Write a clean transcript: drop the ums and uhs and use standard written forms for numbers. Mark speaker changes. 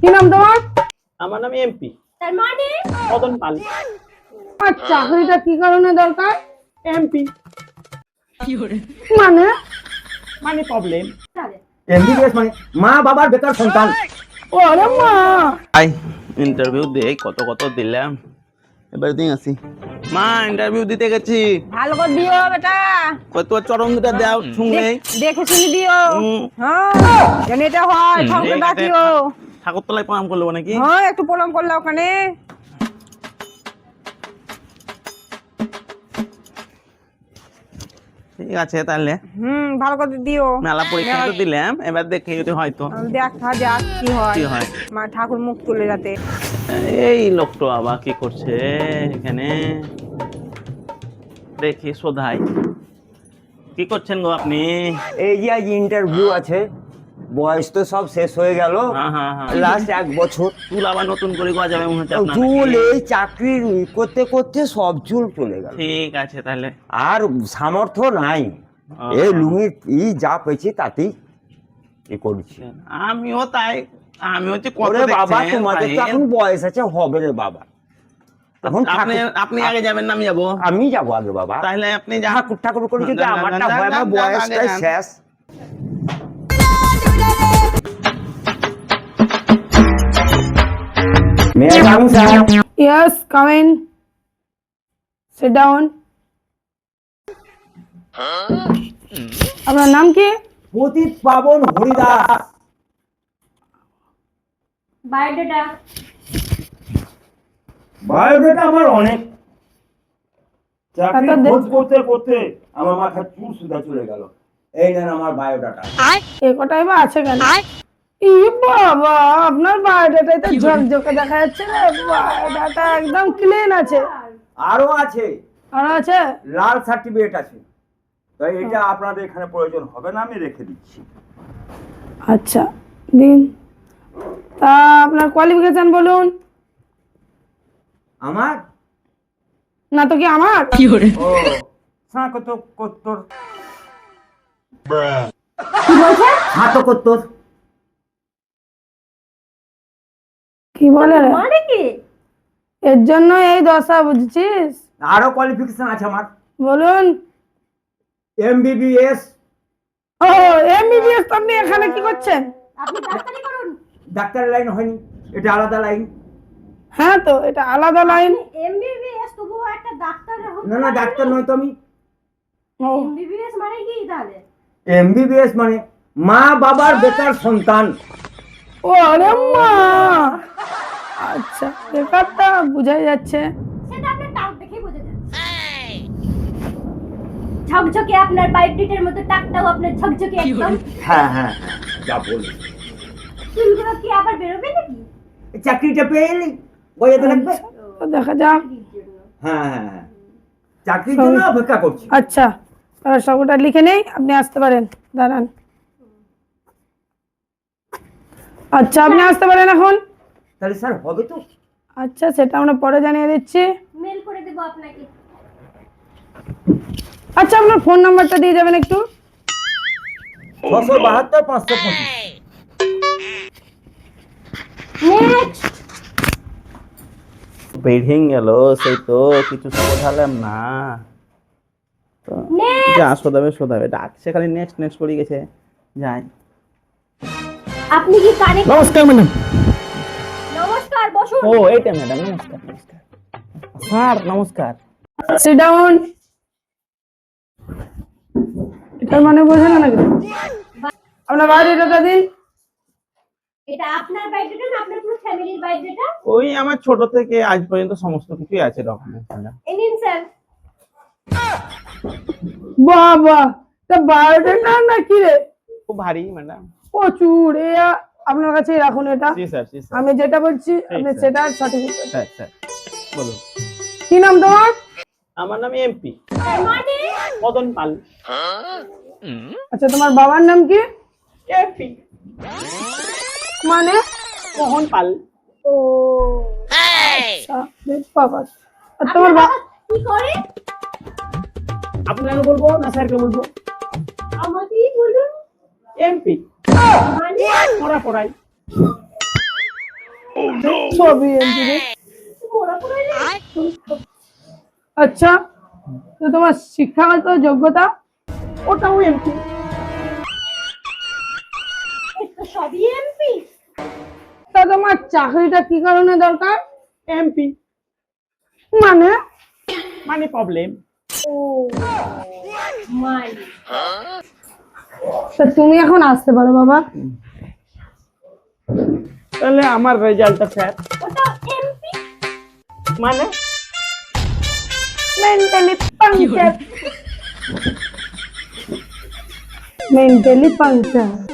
Speaker 1: কি নাম তোমার?
Speaker 2: আমার নাম এমপি
Speaker 3: তার মানে
Speaker 2: মদন পাল।
Speaker 1: আর চাকরিটা কি কারণে দরকার?
Speaker 2: এমপি
Speaker 1: মানে
Speaker 2: মানে প্রবলেম।
Speaker 4: এমবিবিএস মানে মা বাবার বেকার সন্তান।
Speaker 1: ওরে মা,
Speaker 2: আই ইন্টারভিউ দে কত কত দিলাম, এবার দিন আসি। মা ইন্টারভিউ দিতে গেছি।
Speaker 3: ভালো করে দিও বেটা,
Speaker 2: কই তোর চরম দুটা দাও শুনে।
Speaker 3: দেখে শুনি দিও।
Speaker 2: হুম।
Speaker 3: হ্যাঁ যেন এটা হয়, ঠাকুরকে ডাকিও।
Speaker 2: ঠাকুরতলায় প্রণাম করলো নাকি?
Speaker 3: হ্যাঁ একটু প্রণাম করলে ওখানে।
Speaker 2: ঠিক আছে তাহলে
Speaker 3: ভালো করে দিও।
Speaker 2: মেলা পরীক্ষা তো দিলাম, এবার দেখে যদি হয়তো
Speaker 3: দেখা যাক কি হয়।
Speaker 2: কি হয়।
Speaker 3: মা ঠাকুর মুখ তুলে যাতে।
Speaker 2: এই লোকটা আবার কি করছে এখানে, দেখি শোধাই। কি করছেন গো আপনি?
Speaker 4: এই যে আজ ইন্টারভিউ আছে, বয়স তো সব শেষ হয়ে গেল,
Speaker 2: হ্যাঁ হ্যাঁ হ্যাঁ।
Speaker 4: লাস্ট 1 বছর।
Speaker 2: চুল আবার নতুন করে গজা যাবে মনে হচ্ছে আপনার
Speaker 4: চুল
Speaker 2: নাকি?
Speaker 4: এই চাকরি করতে করতে সব চুল চলে গেল,
Speaker 2: ঠিক আছে তাহলে।
Speaker 4: আর সামর্থ্য নাই।
Speaker 2: আহা।
Speaker 4: এই লুঙ্গি ই যা পেয়েছি তাতেই এ করছি।
Speaker 2: আমিও তাই, আমি হচ্ছে কত
Speaker 4: ওরে বাবা,
Speaker 2: দেখছেন
Speaker 4: তোমাদের তো
Speaker 2: ভাই।
Speaker 4: এখন বয়স আছে, হবে রে বাবা। এখন
Speaker 2: আপনি আপনি আগে যাবেন না আমি যাবো?
Speaker 4: আমি যাবো আগে বাবা।
Speaker 2: তাহলে আপনি যা।
Speaker 4: ঠাকুর ঠাকুর করে যদি
Speaker 2: যান, যান,
Speaker 4: আমারটা
Speaker 2: যান,
Speaker 4: হয়,
Speaker 2: যান,
Speaker 4: আমার
Speaker 2: যান,
Speaker 4: বয়সটাই
Speaker 2: যান।
Speaker 4: শেষ। May I come, sir?
Speaker 1: Yes come in, sit down. আপনার নাম কি?
Speaker 4: পতিত পাবন হরিদাস।
Speaker 3: বায়োডাটা
Speaker 4: বায়োডাটা আমার অনেক, চাকরি
Speaker 1: তা তো
Speaker 4: খোঁজ করতে করতে আমার মাথায় চুল সুদা চলে গেল। এই নেন আমার বায়োডাটা।
Speaker 1: এ কটাই বা আছে কেন? ই বাবা, আপনার বায়োডাটাই তো ঝকঝকে দেখা যাচ্ছে রে। বায়োডাটা একদম ক্লিন আছে।
Speaker 4: আরো আছে,
Speaker 1: আর আছে?
Speaker 4: লাল সার্টিফিকেট আছে, তাই এটা আপনাদের এখানে প্রয়োজন হবে না, আমি রেখে দিচ্ছি।
Speaker 1: আচ্ছা দিন। তা আপনার কোয়ালিফিকেশন বলুন।
Speaker 4: আমার
Speaker 1: না তো কি আমার?
Speaker 4: ও স্নাতকোত্তর।
Speaker 1: কি বলছে?
Speaker 4: স্নাতকোত্তর।
Speaker 1: কি বলে রে?
Speaker 3: মানে কি?
Speaker 1: এর জন্য এই দশা, বুঝছিস?
Speaker 4: আরো কোয়ালিফিকেশন আছে আমার,
Speaker 1: বলুন।
Speaker 4: এমবিবিএস।
Speaker 1: ও এমবিবিএস, আপনি এখানে কি করছেন?
Speaker 3: আপনি ডাক্তারি করুন।
Speaker 4: ডাক্তার লাইন হয়নি, এটা আলাদা লাইন।
Speaker 1: হ্যাঁ তো এটা আলাদা লাইন।
Speaker 3: এমবিবিএস তবুও একটা ডাক্তার হতে
Speaker 4: না না, ডাক্তার নয় তো আমি।
Speaker 1: ও
Speaker 3: এমবিবিএস মানে কি তাহলে?
Speaker 4: এমবিবিএস মানে মা বাবার বেকার সন্তান।
Speaker 1: ও আরে মা, আচ্ছা ব্যাপারটা বোঝাই যাচ্ছে।
Speaker 3: সেটা আপনার টাক দেখেই বোঝা যাচ্ছে। ঝকঝকে আপনার বায়োডাটার মতো টাকটাও আপনার ঝকঝকে একদম।
Speaker 4: হ্যাঁ হ্যাঁ হ্যাঁ, যা বলি।
Speaker 3: চুলগুলো কি আবার বেরোবে নাকি?
Speaker 4: এই চাকরিটা পেয়ে এলি, বইতে লাগবে।
Speaker 1: তো দেখা যাক।
Speaker 4: হ্যাঁ হ্যাঁ হ্যাঁ, চাকরির জন্য অপেক্ষা করছি।
Speaker 1: আচ্ছা তাহলে সবটা লিখে নেই, আপনি আসতে পারেন, দাঁড়ান। আচ্ছা আপনি আসতে পারেন এখন।
Speaker 4: তাহলে স্যার হবে তো?
Speaker 1: আচ্ছা সেটা আমরা পরে জানিয়ে দিচ্ছি।
Speaker 3: মেল করে দেব আপনাকে।
Speaker 1: আচ্ছা আপনার ফোন নাম্বারটা দিয়ে যাবেন একটু।
Speaker 4: 672 525।
Speaker 3: নেক্সট।
Speaker 2: বেরিয়ে গেল, সেই তো কিছু শোধালাম না তো।
Speaker 3: নেক্সট।
Speaker 2: যা শোধাবে শোধাবে, ডাকছে খালি নেক্সট নেক্সট করে গেছে। যাই।
Speaker 3: আপনি কি কানে?
Speaker 2: নমস্কার ম্যাডাম।
Speaker 3: নমস্কার, বসুন।
Speaker 2: ও এইটা ম্যাডাম, নমস্কার নমস্কার। স্যার নমস্কার।
Speaker 1: Sit down. এটার মানে বোঝেন না নাকি? আপনার বায়োডাটা দিন।
Speaker 3: এটা আপনার বায়োডাটা না আপনার পুরো ফ্যামিলির বায়োডাটা?
Speaker 2: ওই আমার ছোট থেকে আজ পর্যন্ত সমস্ত কিছুই আছে ডকুমেন্টস ম্যাডাম।
Speaker 3: এই নিন স্যার।
Speaker 1: বাবা, তা বায়োডাটা না কি রে?
Speaker 2: খুব ভারী ম্যাডাম।
Speaker 1: প্রচুর। আপনার কাছেই রাখুন এটা।
Speaker 2: জি স্যার জি স্যার।
Speaker 1: আমি যেটা বলছি আপনি
Speaker 2: স্যার।
Speaker 1: সেটা সার্টিফিকেট।
Speaker 2: স্যার স্যার বলুন।
Speaker 1: কি নাম তোমার?
Speaker 2: আমার নাম এমপি
Speaker 3: তার মানে
Speaker 2: মদন পাল।
Speaker 1: আচ্ছা তোমার বাবার নাম কি?
Speaker 2: এমপি
Speaker 1: মানে?
Speaker 2: মোহন পাল।
Speaker 1: ও আচ্ছা, বেশ বাবা। আর তোমার
Speaker 3: কি করে?
Speaker 2: আপনাকে বলবো না স্যারকে বলবো?
Speaker 3: আমাকেই বলুন।
Speaker 2: এমপি
Speaker 3: মানে
Speaker 2: পড়া পড়াই।
Speaker 1: সবই এমপি রে। আচ্ছা, তো তোমার শিক্ষাগত যোগ্যতা?
Speaker 5: ওটাও এমপি।
Speaker 3: সবই এমপি।
Speaker 1: তা তোমার চাকরিটা কি কারণে দরকার?
Speaker 5: এমপি
Speaker 1: মানে
Speaker 5: মানে প্রবলেম।
Speaker 3: মাই
Speaker 1: তা তুমি এখন আসতে পারো বাবা।
Speaker 5: তাহলে আমার রেজাল্টটা স্যার
Speaker 3: ওটা এমপি।
Speaker 5: মানে
Speaker 1: মেন্টালি পাংচার। Mentally puncture.